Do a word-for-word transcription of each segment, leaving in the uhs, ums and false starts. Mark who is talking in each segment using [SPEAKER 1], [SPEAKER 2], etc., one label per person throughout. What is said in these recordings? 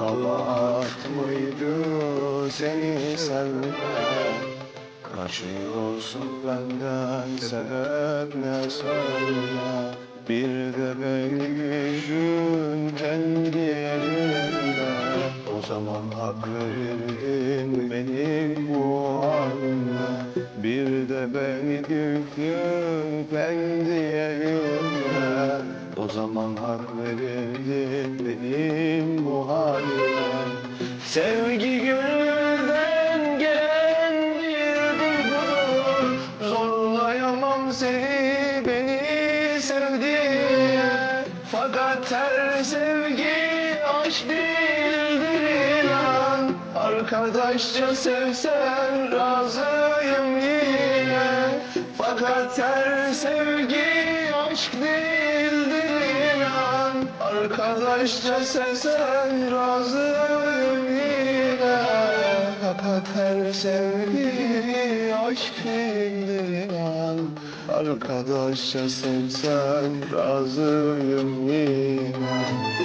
[SPEAKER 1] kabahat mıydı seni sevmek? Kaç yıl olsun benden sebep ne söyle? Bir de beni düşün kendi yerine. O zaman hak verirdin benim bu halime. Bir de beni düşün kendi yerine. O zaman hak verirdin benim bu halime. Sevgi gönülden gelen bir duygudur. Zorlayamam seni beni sevdiğine. Fakat her sevgi aşk değildir inan. Arkadaşça sevsen razıyım yine. Fakat her sevgi aşk değildir inan. Arkadaşça sevsen razıyım yine. Fakat her sevgi aşk değildir inan. Arkadaşça sevsen razıyım yine.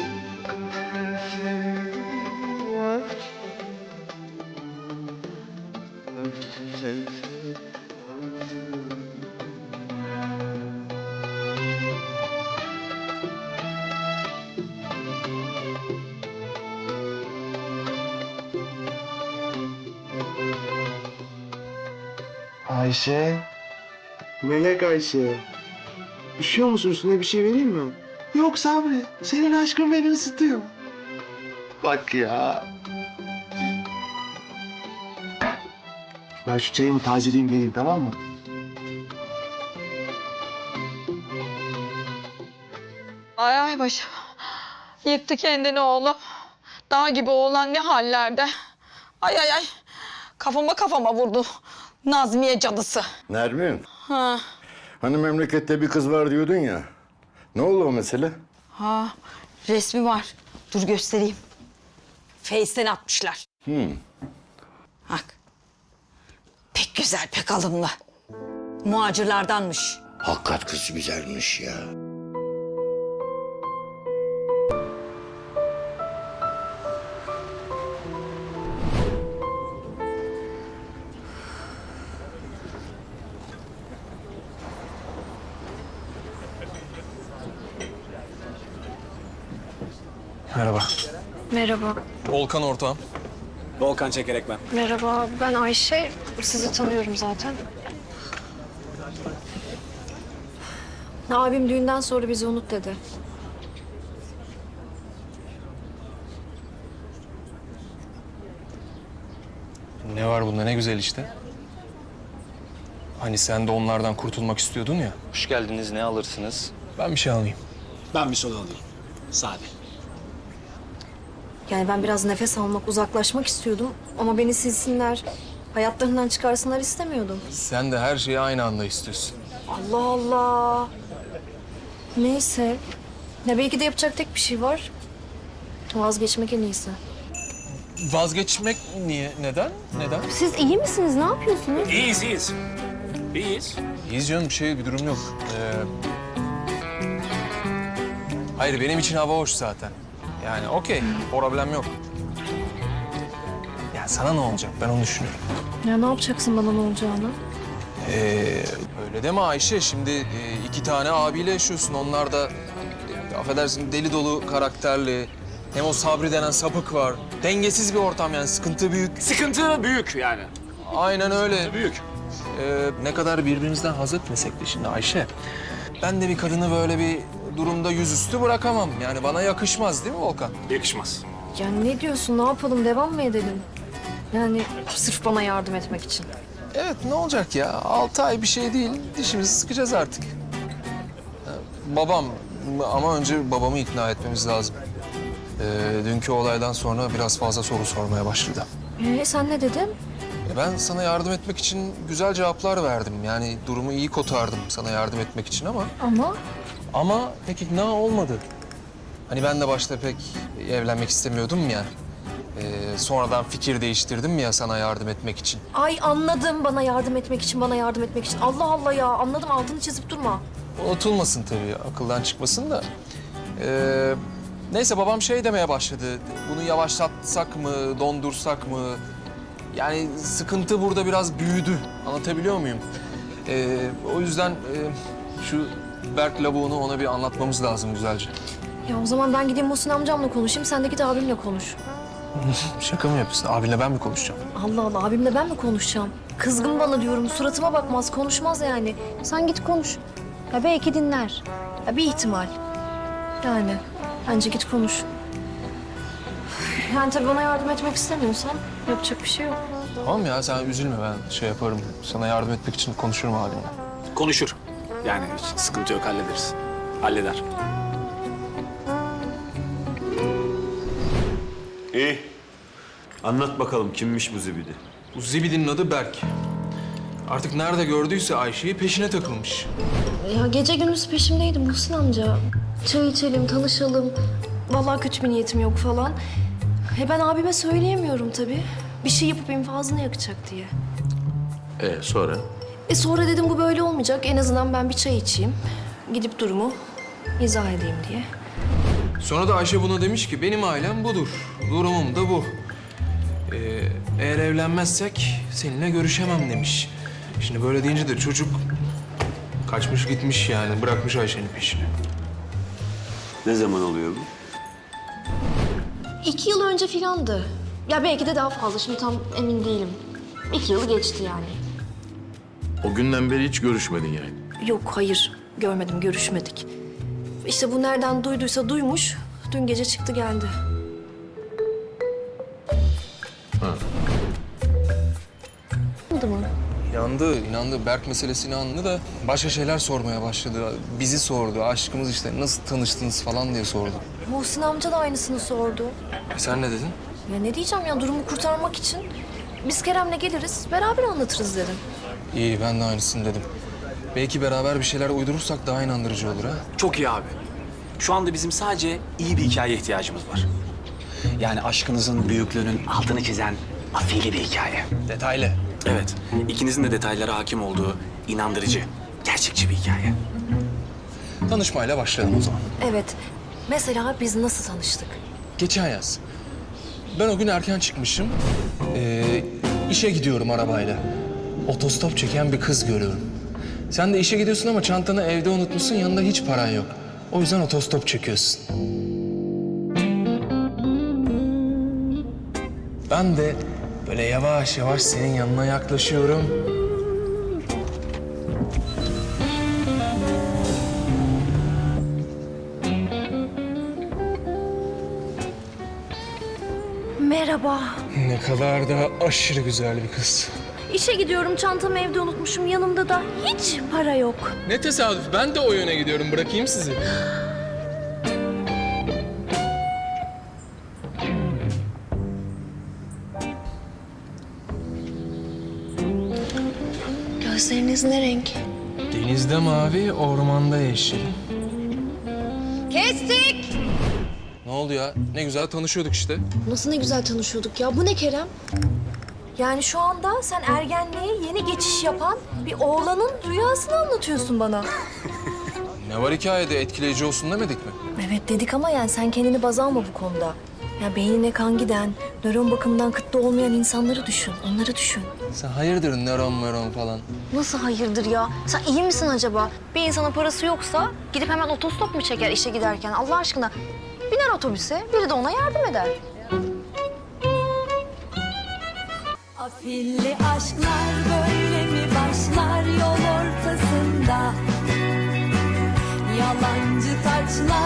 [SPEAKER 1] Ayşe. Melek Ayşe. Üşüyor musun? Üstüne bir şey vereyim mi? Yok Sabri. Senin aşkın beni ısıtıyor. Bak ya. Ben şu çayımı tazeleyeyim geleyim, tamam mı?
[SPEAKER 2] Ay ay başım. Yıktı kendini oğlum. Dağ gibi oğlan ne hallerde. Ay ay ay. Kafama kafama vurdu. Nazmiye cadısı.
[SPEAKER 3] Nermin,
[SPEAKER 2] Ha.
[SPEAKER 3] hani memlekette bir kız var diyordun ya. Ne oldu o mesele?
[SPEAKER 2] Ha. Resmi var. Dur göstereyim. Face'ten atmışlar.
[SPEAKER 3] Hmm.
[SPEAKER 2] Bak. Pek güzel, pek alımlı. Muhacirlardanmış.
[SPEAKER 3] Hakikat kız güzelmiş ya.
[SPEAKER 4] Merhaba.
[SPEAKER 5] Merhaba.
[SPEAKER 4] Volkan ortağım.
[SPEAKER 6] Volkan Çekerek ben.
[SPEAKER 5] Merhaba, ben Ayşe. Sizi tanıyorum zaten. Abim düğünden sonra bizi unut dedi.
[SPEAKER 4] Ne var bunda, ne güzel işte. Hani sen de onlardan kurtulmak istiyordun ya.
[SPEAKER 7] Hoş geldiniz. Ne alırsınız?
[SPEAKER 4] Ben bir şey alayım.
[SPEAKER 6] Ben bir soda alayım. Sade.
[SPEAKER 5] Yani ben biraz nefes almak, uzaklaşmak istiyordum. Ama beni silsinler, hayatlarından çıkarsınlar istemiyordum.
[SPEAKER 4] Sen de her şeyi aynı anda istiyorsun.
[SPEAKER 5] Allah Allah. Neyse. Ya belki de yapacak tek bir şey var. Vazgeçmek en iyisi.
[SPEAKER 4] Vazgeçmek niye? Neden? Neden?
[SPEAKER 5] Siz iyi misiniz? Ne yapıyorsunuz?
[SPEAKER 6] İyiyiz, iyiyiz. İyiyiz.
[SPEAKER 4] İyiyiz canım, bir şey, bir durum yok. Ee... Hayır, benim için hava hoş zaten. Yani okey, problem yok. Ya sana ne olacak? Ben onu düşünüyorum.
[SPEAKER 5] Ya ne yapacaksın bana ne olacağını?
[SPEAKER 4] Ee, öyle deme Ayşe. Şimdi e, iki tane abiyle yaşıyorsun. Onlar da e, affedersin deli dolu karakterli. Hem o Sabri denen sapık var. Dengesiz bir ortam yani. Sıkıntı büyük.
[SPEAKER 6] Sıkıntı büyük yani.
[SPEAKER 4] Aynen öyle.
[SPEAKER 6] Büyük.
[SPEAKER 4] Ee, ne kadar birbirimizden haz etmesek de şimdi Ayşe. Ben de bir kadını böyle bir durumda yüzüstü bırakamam. Yani bana yakışmaz değil mi Volkan?
[SPEAKER 6] Yakışmaz.
[SPEAKER 5] Ya ne diyorsun? Ne yapalım? Devam mı edelim? Yani sırf bana yardım etmek için.
[SPEAKER 4] Evet, ne olacak ya? Altı ay bir şey değil. Dişimizi sıkacağız artık. Ee, babam ama önce babamı ikna etmemiz lazım. Ee, dünkü olaydan sonra biraz fazla soru sormaya başladı.
[SPEAKER 5] Ee, sen ne dedin?
[SPEAKER 4] E, ben sana yardım etmek için güzel cevaplar verdim. Yani durumu iyi kotardım sana yardım etmek için ama...
[SPEAKER 5] Ama
[SPEAKER 4] Ama pek ikna olmadı. Hani ben de başta pek evlenmek istemiyordum ya. Ee, sonradan fikir değiştirdim ya sana yardım etmek için.
[SPEAKER 5] ay anladım bana yardım etmek için, bana yardım etmek için. Allah Allah ya anladım altını çizip durma.
[SPEAKER 4] Unutulmasın tabii, akıldan çıkmasın da. Ee, Neyse babam şey demeye başladı. Bunu yavaşlatsak mı, dondursak mı? Yani sıkıntı burada biraz büyüdü. Anlatabiliyor muyum? Ee, o yüzden e, şu Berk lavuğunu ona bir anlatmamız lazım güzelce.
[SPEAKER 5] Ya o zaman ben gideyim Muhsin amcamla konuşayım. Sen de git abimle konuş.
[SPEAKER 4] Şaka mı yapıyorsun? Abinle ben mi konuşacağım?
[SPEAKER 5] Allah Allah, abimle ben mi konuşacağım? Kızgın bana diyorum. Suratıma bakmaz, konuşmaz yani. Sen git konuş. Ya belki dinler. Ya bir ihtimal. Yani bence git konuş. Yani tabii bana yardım etmek istemiyorsan yapacak bir şey yok.
[SPEAKER 4] Tamam ya sen üzülme, ben şey yaparım. Sana yardım etmek için konuşurum abinle.
[SPEAKER 6] Konuşur. Yani hiç sıkıntı yok, hallederiz. Halleder.
[SPEAKER 8] İyi. Anlat bakalım kimmiş bu zibidi?
[SPEAKER 4] Bu zibidinin adı Berk. Artık nerede gördüyse Ayşe'yi peşine takılmış.
[SPEAKER 5] Ya gece gündüz peşimdeydi Muhsin amca. Çay içelim, tanışalım. Vallahi kötü bir niyetim yok falan. E ben abime söyleyemiyorum tabii. Bir şey yapıp infazını yakacak diye.
[SPEAKER 8] Ee sonra?
[SPEAKER 5] E sonra dedim bu böyle olmayacak. En azından ben bir çay içeyim. Gidip durumu izah edeyim diye.
[SPEAKER 4] Sonra da Ayşe buna demiş ki benim ailem budur. Durumum da bu. Ee, eğer evlenmezsek seninle görüşemem demiş. Şimdi böyle deyince de çocuk kaçmış gitmiş yani. Bırakmış Ayşe'nin peşini.
[SPEAKER 8] Ne zaman oluyor bu?
[SPEAKER 5] İki yıl önce filandı. Ya belki de daha fazla. Şimdi tam emin değilim. İki yılı geçti yani.
[SPEAKER 8] O günden beri hiç görüşmedin yani.
[SPEAKER 5] Yok hayır. Görmedim, görüşmedik. İşte bu nereden duyduysa duymuş. Dün gece çıktı geldi. Oldu mu?
[SPEAKER 4] İnandı, inandı. Berk meselesini anladı da başka şeyler sormaya başladı. Bizi sordu. Aşkımız işte nasıl tanıştınız falan diye sordu.
[SPEAKER 5] Muhsin amca da aynısını sordu.
[SPEAKER 4] E sen ne dedin?
[SPEAKER 5] Ya ne diyeceğim ya, durumu kurtarmak için biz Kerem'le geliriz, beraber anlatırız dedim.
[SPEAKER 4] İyi, ben de aynısını dedim. Belki beraber bir şeyler uydurursak daha inandırıcı olur ha.
[SPEAKER 6] Çok iyi abi. Şu anda bizim sadece iyi bir hikaye ihtiyacımız var. Yani aşkınızın büyüklüğünün altını çizen afili bir hikaye.
[SPEAKER 4] Detaylı.
[SPEAKER 6] Evet, ikinizin de detaylara hakim olduğu inandırıcı, gerçekçi bir hikaye.
[SPEAKER 4] Tanışmayla başlayalım o zaman.
[SPEAKER 5] Evet, mesela biz nasıl tanıştık?
[SPEAKER 4] Geçen yaz. Ben o gün erken çıkmışım. Ee, işe gidiyorum arabayla. Otostop çeken bir kız görüyorum. Sen de işe gidiyorsun ama çantanı evde unutmuşsun, yanında hiç paran yok. O yüzden otostop çekiyorsun. Ben de böyle yavaş yavaş senin yanına yaklaşıyorum.
[SPEAKER 5] Merhaba.
[SPEAKER 4] Ne kadar da aşırı güzel bir kız.
[SPEAKER 5] İşe gidiyorum, çantamı evde unutmuşum. Yanımda da hiç para yok.
[SPEAKER 4] Ne tesadüf, ben de o yöne gidiyorum. Bırakayım sizi.
[SPEAKER 5] Gözleriniz ne renk?
[SPEAKER 4] Denizde mavi, ormanda yeşil.
[SPEAKER 5] Kestik!
[SPEAKER 4] Ne oldu ya? Ne güzel tanışıyorduk işte.
[SPEAKER 5] Nasıl ne güzel tanışıyorduk ya. Bu ne Kerem? Yani şu anda sen ergenliğe yeni geçiş yapan bir oğlanın rüyasını anlatıyorsun bana.
[SPEAKER 4] Ne var hikayede, etkileyici olsun demedik mi?
[SPEAKER 5] Evet dedik ama yani sen kendini baz alma bu konuda. Ya beynine kan giden, nöron bakımından kıtlı olmayan insanları düşün. Onları düşün.
[SPEAKER 4] Sen hayırdır nöron nöron falan.
[SPEAKER 5] Nasıl hayırdır ya? Sen iyi misin acaba? Bir insanın parası yoksa gidip hemen otostop mu çeker işe giderken? Allah aşkına biner otobüse, biri de ona yardım eder.
[SPEAKER 9] Afilli aşklar böyle mi başlar yol ortasında? Yalancı taçlar